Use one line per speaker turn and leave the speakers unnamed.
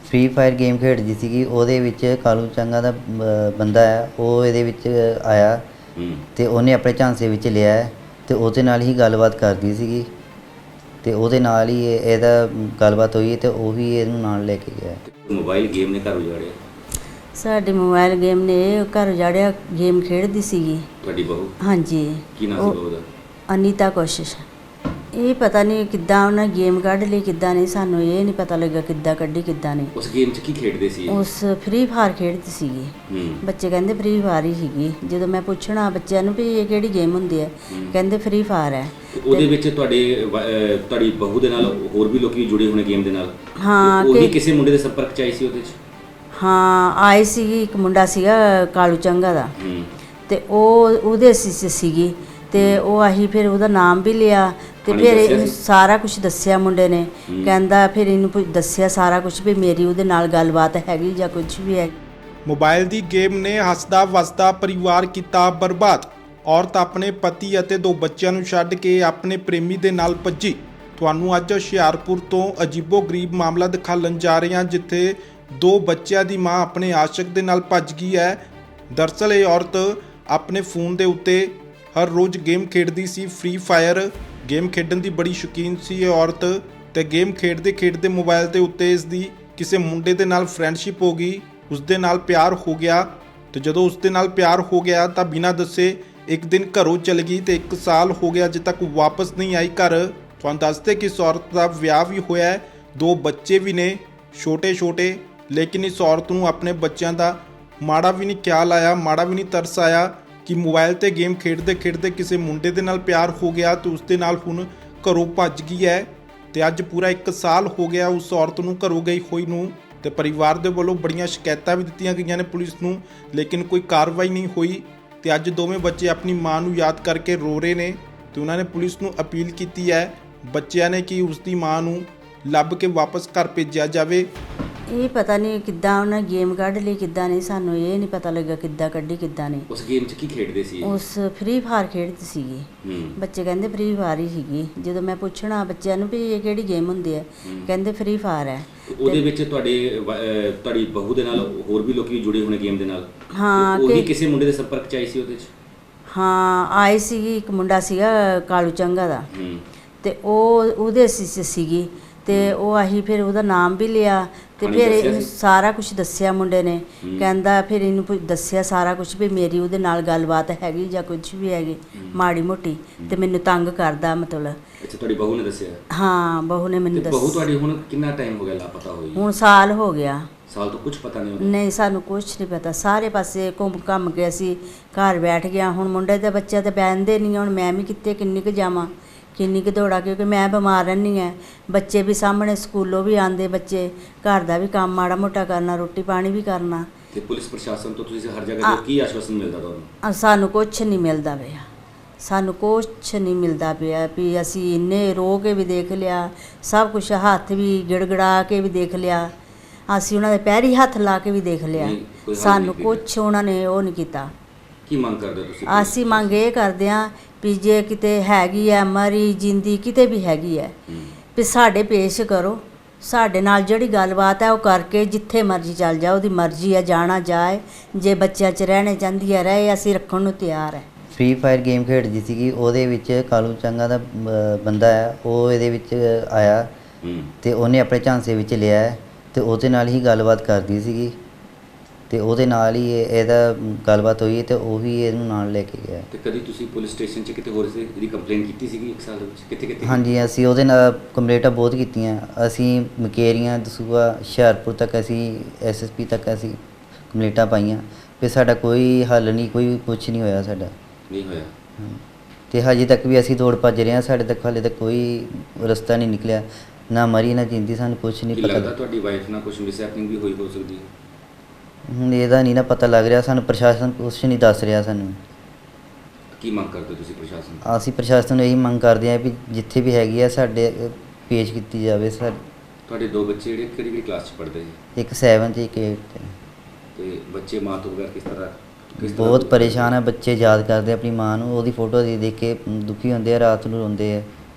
Free fire game ਖੇਡਦੀ ਸੀਗੀ। ਉਹਦੇ ਵਿੱਚ ਕਾਲੂ ਚੰਗਾ ਦਾ ਬੰਦਾ ਹੈ, ਉਹ ਇਹਦੇ ਵਿੱਚ ਆਇਆ ਤੇ ਉਹਨੇ ਆਪਣੇ ਝਾਂਸੇ ਵਿੱਚ ਲਿਆ ਹੈ ਤੇ ਉਹਦੇ ਨਾਲ ਹੀ ਗੱਲਬਾਤ ਕਰਦੀ ਸੀਗੀ ਤੇ ਉਹਦੇ ਨਾਲ ਹੀ ਇਹਦਾ ਗੱਲਬਾਤ ਹੋਈ ਤੇ ਉਹ ਵੀ ਇਹਨੂੰ ਨਾਲ ਲੈ ਕੇ ਗਿਆ।
ਮੋਬਾਈਲ ਗੇਮ ਨੇ ਘਰ ਉਜਾੜਿਆ?
ਸਾਡੇ ਮੋਬਾਈਲ ਗੇਮ ਨੇ ਘਰ ਉਜਾੜਿਆ। ਗੇਮ ਖੇਡਦੀ ਸੀਗੀ।
ਤੁਹਾਡੀ ਬਹੂ?
ਹਾਂਜੀ।
ਕੀ ਨਾਮ ਸੀ ਬਹੂ ਦਾ?
ਅਨੀਤਾ ਕੋਸ਼ਿਸ਼। ਇਹ ਪਤਾ ਨਹੀਂ ਕਿੱਦਾਂ ਉਹਨਾਂ ਗੇਮ ਕੱਢ ਲਈ, ਕਿੱਦਾਂ ਨਹੀਂ, ਸਾਨੂੰ ਇਹ ਨਹੀਂ ਪਤਾ ਲੱਗਾ ਕਿੱਦਾਂ ਕੱਢੀ ਕਿੱਦਾਂ ਨਹੀਂ।
ਉਸ ਗੇਮ 'ਚ ਕੀ ਖੇਡਦੇ ਸੀ?
ਉਸ ਫ੍ਰੀ ਫਾਇਰ ਖੇਡਦੀ ਸੀਗੀ। ਬੱਚੇ ਕਹਿੰਦੇ ਫ੍ਰੀ ਫਾਇਰ ਹੀ ਸੀਗੀ। ਜਦੋਂ ਮੈਂ ਪੁੱਛਣਾ ਬੱਚਿਆਂ ਨੂੰ ਵੀ ਇਹ ਕਿਹੜੀ ਗੇਮ ਹੁੰਦੀ ਹੈ, ਕਹਿੰਦੇ ਫ੍ਰੀ ਫਾਇਰ ਹੈ।
ਉਹਦੇ ਵਿੱਚ ਤੁਹਾਡੀ ਬਹੂ ਦੇ ਨਾਲ ਹੋਰ ਵੀ ਲੋਕੀ ਜੁੜੇ ਹੋਣੇ ਗੇਮ ਦੇ ਨਾਲ?
ਹਾਂ।
ਉਹ ਵੀ ਕਿਸੇ ਮੁੰਡੇ ਦੇ ਸੰਪਰਕ 'ਚ ਆਈ ਸੀ ਉਹਦੇ 'ਚ?
ਹਾਂ ਆਈ ਸੀਗੀ। ਇੱਕ ਮੁੰਡਾ ਸੀਗਾ ਕਾਲੂ ਚੰਗਾ ਦਾ ਤੇ ਉਹਦੇ ਸੀਗੀ ਤੇ ਉਹ ਆਹੀ ਫਿਰ ਉਹਦਾ ਨਾਮ ਵੀ ਲਿਆ ਤੇ ਫਿਰ ਇਹਨੂੰ ਸਾਰਾ ਕੁਝ ਦੱਸਿਆ ਮੁੰਡੇ ਨੇ। ਕਹਿੰਦਾ ਫਿਰ ਇਹਨੂੰ ਦੱਸਿਆ ਸਾਰਾ ਕੁਝ ਵੀ ਮੇਰੀ ਉਹਦੇ ਨਾਲ ਗੱਲਬਾਤ ਹੈਗੀ ਜਾਂ ਕੁਝ ਵੀ ਹੈ।
ਮੋਬਾਈਲ ਦੀ ਗੇਮ ਨੇ ਹੱਸਦਾ ਵਸਦਾ ਪਰਿਵਾਰ ਕੀਤਾ ਬਰਬਾਦ। ਔਰਤ ਆਪਣੇ ਪਤੀ ਅਤੇ 2 ਬੱਚਿਆਂ ਨੂੰ ਛੱਡ ਕੇ ਆਪਣੇ ਪ੍ਰੇਮੀ ਦੇ ਨਾਲ ਭੱਜੀ। ਤੁਹਾਨੂੰ ਅੱਜ ਹੁਸ਼ਿਆਰਪੁਰ ਤੋਂ ਅਜੀਬੋ-ਗਰੀਬ ਮਾਮਲਾ ਦਿਖਾਉਣ ਜਾ ਰਹੇ ਹਾਂ, ਜਿੱਥੇ 2 ਬੱਚਿਆਂ ਦੀ ਮਾਂ ਆਪਣੇ ਆਸ਼ਿਕ ਦੇ ਨਾਲ ਭੱਜ ਗਈ ਹੈ। ਦਰਅਸਲ ਇਹ ਔਰਤ ਆਪਣੇ ਫੋਨ ਦੇ ਉੱਤੇ ਹਰ ਰੋਜ਼ ਗੇਮ ਖੇਡਦੀ ਸੀ। ਫ੍ਰੀ ਫਾਇਰ ਗੇਮ ਖੇਡਣ ਦੀ ਬੜੀ ਸ਼ੌਕੀਨ ਸੀ ਇਹ ਔਰਤ ਤੇ ਗੇਮ ਖੇਡਦੇ ਮੋਬਾਈਲ ਦੇ ਉੱਤੇ ਇਸ ਦੀ ਕਿਸੇ ਮੁੰਡੇ ਦੇ ਨਾਲ ਫਰੈਂਡਸ਼ਿਪ ਹੋ ਗਈ। ਉਸ ਦੇ ਨਾਲ ਪਿਆਰ ਹੋ ਗਿਆ ਤੇ ਜਦੋਂ ਉਸ ਦੇ ਨਾਲ ਪਿਆਰ ਹੋ ਗਿਆ ਤਾਂ ਬਿਨਾਂ ਦੱਸੇ ਇੱਕ ਦਿਨ ਘਰੋਂ ਚਲ ਗਈ ਤੇ 1 ਸਾਲ ਹੋ ਗਿਆ ਅਜੇ ਤੱਕ ਵਾਪਸ ਨਹੀਂ ਆਈ ਘਰ। ਤੁਹਾਨੂੰ ਦੱਸਦੇ ਕਿ ਇਸ ਔਰਤ ਦਾ ਵਿਆਹ ਵੀ ਹੋਇਆ ਹੈ, 2 ਬੱਚੇ ਵੀ ਨੇ ਛੋਟੇ, ਲੇਕਿਨ ਇਸ ਔਰਤ ਨੂੰ ਆਪਣੇ ਬੱਚਿਆਂ ਦਾ ਮਾੜਾ ਵੀ ਨਹੀਂ ਖਿਆਲ ਆਇਆ, ਮਾੜਾ ਵੀ ਨਹੀਂ ਤਰਸ ਆਇਆ ਕਿ ਮੋਬਾਈਲ ਤੇ ਗੇਮ ਖੇਡਦੇ ਕਿਸੇ ਮੁੰਡੇ ਦੇ ਨਾਲ ਪਿਆਰ ਹੋ ਗਿਆ ਤੇ ਉਸ ਦੇ ਨਾਲ ਹੁਣ ਘਰੋਂ ਭੱਜ ਗਈ ਹੈ। ਤੇ ਅੱਜ ਪੂਰਾ 1 ਸਾਲ ਹੋ ਗਿਆ ਉਸ ਔਰਤ ਨੂੰ ਘਰੋਂ ਗਈ ਹੋਈ ਨੂੰ ਤੇ ਪਰਿਵਾਰ ਦੇ ਵੱਲੋਂ ਬੜੀਆਂ ਸ਼ਿਕਾਇਤਾਂ ਵੀ ਦਿੱਤੀਆਂ ਗਈਆਂ ਨੇ ਪੁਲਿਸ ਨੂੰ, ਲੇਕਿਨ ਕੋਈ ਕਾਰਵਾਈ ਨਹੀਂ ਹੋਈ। ਤੇ ਅੱਜ ਦੋਵੇਂ ਬੱਚੇ ਆਪਣੀ ਮਾਂ ਨੂੰ ਯਾਦ ਕਰਕੇ ਰੋ ਰਹੇ ਨੇ ਤੇ ਉਹਨਾਂ ਨੇ ਪੁਲਿਸ ਨੂੰ ਅਪੀਲ ਕੀਤੀ ਹੈ ਬੱਚਿਆਂ ਨੇ ਕਿ ਉਸ ਦੀ ਮਾਂ ਨੂੰ ਲੱਭ ਕੇ ਵਾਪਸ ਘਰ ਭੇਜਿਆ ਜਾਵੇ।
ਇਹ ਪਤਾ ਨਹੀਂ ਕਿੱਦਾਂ ਉਹਨਾਂ ਗੇਮ ਕੱਢ ਲਈ ਕਿੱਦਾਂ ਨਹੀਂ, ਸਾਨੂੰ ਇਹ ਨਹੀਂ ਪਤਾ ਲੱਗਾ ਕਿੱਦਾਂ ਕੱਢੀ ਕਿੱਦਾਂ ਨਹੀਂ।
ਉਸ ਗੇਮ 'ਚ ਕੀ ਖੇਡਦੇ ਸੀ?
ਉਸ ਫ੍ਰੀ ਫਾਇਰ ਖੇਡਦੀ ਸੀਗੀ। ਬੱਚੇ ਕਹਿੰਦੇ ਫ੍ਰੀ ਫਾਇਰ ਹੀ ਸੀਗੀ। ਜਦੋਂ ਮੈਂ ਪੁੱਛਣਾ ਬੱਚਿਆਂ ਨੂੰ ਵੀ ਇਹ ਕਿਹੜੀ ਗੇਮ ਹੁੰਦੀ ਹੈ, ਕਹਿੰਦੇ ਫ੍ਰੀ ਫਾਇਰ ਹੈ।
ਉਹਦੇ ਵਿੱਚ ਤੁਹਾਡੀ ਬਹੂ ਦੇ ਨਾਲ ਹੋਰ ਵੀ ਲੋਕੀ ਜੁੜੇ ਹੋਣੇ ਗੇਮ ਦੇ ਨਾਲ?
ਹਾਂ।
ਉਹ ਵੀ ਕਿਸੇ ਮੁੰਡੇ ਦੇ ਸੰਪਰਕ 'ਚ ਆਈ ਸੀ ਉਹਦੇ 'ਚ?
ਹਾਂ ਆਈ ਸੀਗੀ। ਇੱਕ ਮੁੰਡਾ ਸੀਗਾ ਕਾਲੂ ਚੰਗਾ ਦਾ ਤੇ ਉਹਦੇ ਸੀਗੀ ਤੇ ਉਹ ਆਹੀ ਫਿਰ ਉਹਦਾ ਨਾਮ ਵੀ ਲਿਆ ਤੇ ਫਿਰ ਇਹਨੂੰ ਸਾਰਾ ਕੁਝ ਦੱਸਿਆ ਮੁੰਡੇ ਨੇ। ਕਹਿੰਦਾ ਫਿਰ ਇਹਨੂੰ ਦੱਸਿਆ ਸਾਰਾ ਕੁਝ ਵੀ ਮੇਰੀ ਉਹਦੇ ਨਾਲ ਗੱਲਬਾਤ ਹੈਗੀ ਜਾਂ ਕੁਝ ਵੀ ਹੈਗੀ ਮਾੜੀ ਮੋਟੀ ਤੇ ਮੈਨੂੰ ਤੰਗ ਕਰਦਾ ਮਤਲਬ।
ਅੱਛਾ, ਤੁਹਾਡੀ ਬਹੂ ਨੇ ਦੱਸਿਆ? ਹਾਂ,
ਬਹੂ ਨੇ ਮੈਨੂੰ ਦੱਸਿਆ।
ਬਹੂ ਤੁਹਾਡੀ ਹੁਣ ਕਿੰਨਾ ਟਾਈਮ ਹੋ ਗਿਆ ਲਾਪਤਾ ਹੋਈ?
ਹੁਣ ਸਾਲ ਹੋ ਗਿਆ।
ਸਾਲ ਤੋਂ ਕੁਝ ਪਤਾ ਨਹੀਂ?
ਨਹੀਂ, ਸਾਨੂੰ ਕੁਝ ਨਹੀਂ ਪਤਾ। ਸਾਰੇ ਪਾਸੇ ਘੁੰਮ ਕੇ ਅਸੀਂ ਘਰ ਬੈਠ ਗਿਆ। ਹੁਣ ਮੁੰਡੇ ਦੇ ਬੱਚੇ ਤਾਂ ਬਹਿੰਦੇ ਨਹੀਂ। ਹੁਣ ਮੈਂ ਵੀ ਕਿੱਥੇ ਕਿੰਨੀ ਕੁ ਜਾਵਾਂ, ਕਿੰਨੀ ਕੁ ਦੌੜਾਂ, ਕਿਉਂਕਿ ਮੈਂ ਬਿਮਾਰ ਰਹਿੰਦੀ ਹਾਂ। ਬੱਚੇ ਵੀ ਸਾਹਮਣੇ ਸਕੂਲੋਂ ਵੀ ਆਉਂਦੇ, ਬੱਚੇ ਘਰ ਦਾ ਵੀ ਕੰਮ ਮਾੜਾ ਮੋਟਾ ਕਰਨਾ, ਰੋਟੀ ਪਾਣੀ ਵੀ ਕਰਨਾ।
ਤੇ ਪੁਲਿਸ ਪ੍ਰਸ਼ਾਸਨ ਤੋਂ ਤੁਸੀਂ ਹਰ ਜਗ੍ਹਾ ਤੇ ਕੀ ਆਸ਼ਵਾਸਨ ਮਿਲਦਾ ਤੁਹਾਨੂੰ?
ਸਾਨੂੰ ਕੁਝ ਨਹੀਂ ਮਿਲਦਾ ਪਿਆ। ਸਾਨੂੰ ਕੁਝ ਨਹੀਂ ਮਿਲਦਾ ਪਿਆ ਵੀ ਅਸੀਂ ਇੰਨੇ ਰੋ ਕੇ ਵੀ ਦੇਖ ਲਿਆ, ਸਭ ਕੁਝ ਹੱਥ ਵੀ ਗਿੜਗੜਾ ਕੇ ਵੀ ਦੇਖ ਲਿਆ, ਅਸੀਂ ਉਹਨਾਂ ਦੇ ਪੈਰੀ ਹੱਥ ਲਾ ਕੇ ਵੀ ਦੇਖ ਲਿਆ, ਸਾਨੂੰ ਕੁਝ ਉਹਨਾਂ ਨੇ ਉਹ ਨਹੀਂ ਕੀਤਾ।
ਕੀ ਮੰਗ ਕਰਦੇ ਤੁਸੀਂ?
ਅਸੀਂ ਮੰਗ ਇਹ ਕਰਦੇ ਹਾਂ ਵੀ ਜੇ ਕਿਤੇ ਹੈਗੀ ਹੈ ਮਰੀ ਜਿੰਦੀ ਕਿਤੇ ਵੀ ਹੈਗੀ ਹੈ ਵੀ ਸਾਡੇ ਪੇਸ਼ ਕਰੋ। ਸਾਡੇ ਨਾਲ ਜਿਹੜੀ ਗੱਲਬਾਤ ਹੈ ਉਹ ਕਰਕੇ ਜਿੱਥੇ ਮਰਜ਼ੀ ਚੱਲ ਜਾ, ਉਹਦੀ ਮਰਜ਼ੀ ਹੈ, ਜਾਣਾ ਜਾਏ। ਜੇ ਬੱਚਿਆਂ 'ਚ ਰਹਿਣੇ ਚਾਹੁੰਦੀ ਹੈ ਰਹੇ, ਅਸੀਂ ਰੱਖਣ ਨੂੰ ਤਿਆਰ ਹੈ।
ਫ੍ਰੀ ਫਾਇਰ ਗੇਮ ਖੇਡਦੀ ਸੀਗੀ। ਉਹਦੇ ਵਿੱਚ ਕਾਲੂ ਚੰਗਾ ਦਾ ਬੰਦਾ ਹੈ, ਉਹ ਇਹਦੇ ਵਿੱਚ ਆਇਆ ਤੇ ਉਹਨੇ ਆਪਣੇ ਝਾਂਸੇ ਵਿੱਚ ਲਿਆ ਹੈ ਤੇ ਉਹਦੇ ਨਾਲ ਹੀ ਗੱਲਬਾਤ ਕਰਦੀ ਸੀਗੀ ਤੇ ਉਹਦੇ ਨਾਲ ਹੀ ਇਹਦਾ ਗੱਲਬਾਤ ਹੋਈ ਤੇ ਉਹ ਵੀ ਇਹਨੂੰ ਨਾਲ ਲੈ ਕੇ ਗਿਆ।
ਤੇ ਕਦੀ ਤੁਸੀਂ ਪੁਲਿਸ ਸਟੇਸ਼ਨ 'ਚ ਕਿਤੇ ਹੋਰ ਇਹਦੀ ਕੰਪਲੇਂਟ ਕੀਤੀ ਸੀਗੀ 1 ਸਾਲ ਦੇ ਵਿੱਚ? ਕਿੱਥੇ?
ਹਾਂਜੀ, ਅਸੀਂ ਉਹਦੇ ਨਾਲ ਕੰਪਲੇਂਟਾਂ ਬਹੁਤ ਕੀਤੀਆਂ। ਅਸੀਂ ਮਕੇਰੀਆਂ, ਦਸੂਹਾ, ਹੁਸ਼ਿਆਰਪੁਰ ਤੱਕ ਅਸੀਂ SSP ਤੱਕ ਅਸੀਂ ਕੰਪਲੇਂਟਾਂ ਪਾਈਆਂ ਫਿਰ ਸਾਡਾ ਕੋਈ ਹੱਲ ਨਹੀਂ, ਕੋਈ ਕੁਛ ਨਹੀਂ ਹੋਇਆ। ਸਾਡਾ
ਨਹੀਂ ਹੋਇਆ
ਤੇ ਹਜੇ ਤੱਕ ਵੀ ਅਸੀਂ ਦੌੜ ਭੱਜ ਰਹੇ ਹਾਂ। ਸਾਡੇ ਤੱਕ ਹਾਲੇ ਤੱਕ ਕੋਈ ਰਸਤਾ ਨਹੀਂ ਨਿਕਲਿਆ, ਨਾ ਮਰੀ ਨਾ ਜਿੰਦੀ। ਸਾਨੂੰ ਕੁਛ ਨਹੀਂ ਪਤਾ।
ਲੱਗਦਾ ਤੁਹਾਡੀ ਵਾਈਫ ਨਾਲ ਕੁਝ ਮਿਸਹੈਪਨਿੰਗ ਵੀ ਹੋਈ ਹੋ ਸਕਦੀ ਹੈ?
ਹੁਣ ਇਹਦਾ ਨਹੀਂ ਨਾ ਪਤਾ ਲੱਗ ਰਿਹਾ ਸਾਨੂੰ। ਪ੍ਰਸ਼ਾਸਨ ਕੁਛ ਨਹੀਂ ਦੱਸ ਰਿਹਾ ਸਾਨੂੰ।
ਕੀ ਮੰਗ ਕਰਦੇ ਤੁਸੀਂ ਪ੍ਰਸ਼ਾਸਨ ਤੋਂ?
ਅਸੀਂ ਪ੍ਰਸ਼ਾਸਨ ਨੂੰ ਇਹੀ ਮੰਗ ਕਰਦੇ ਹਾਂ ਵੀ ਜਿੱਥੇ ਵੀ ਹੈਗੀ ਆ ਸਾਡੇ ਪੇਸ਼ ਕੀਤੀ ਜਾਵੇ।
ਤੁਹਾਡੇ 2 ਬੱਚੇ ਜਿਹੜੇ ਕਿਹੜੀ ਕਲਾਸ 'ਚ ਪੜ੍ਹਦੇ ਸੀ?
ਇੱਕ 7 'ਚ, ਇੱਕ 8 'ਚ।
ਤੇ ਬੱਚੇ ਮਾਂ ਤੋਂ ਬਗੈਰ ਕਿਸ ਤਰ੍ਹਾਂ
ਬਹੁਤ ਪਰੇਸ਼ਾਨ ਹੈ। ਬੱਚੇ ਯਾਦ ਕਰਦੇ ਆਪਣੀ ਮਾਂ ਨੂੰ, ਉਹਦੀ ਫੋਟੋ ਦੇਖ ਕੇ ਦੁਖੀ ਹੁੰਦੇ ਆ, ਰਾਤ ਨੂੰ ਰੋਂਦੇ ਆ।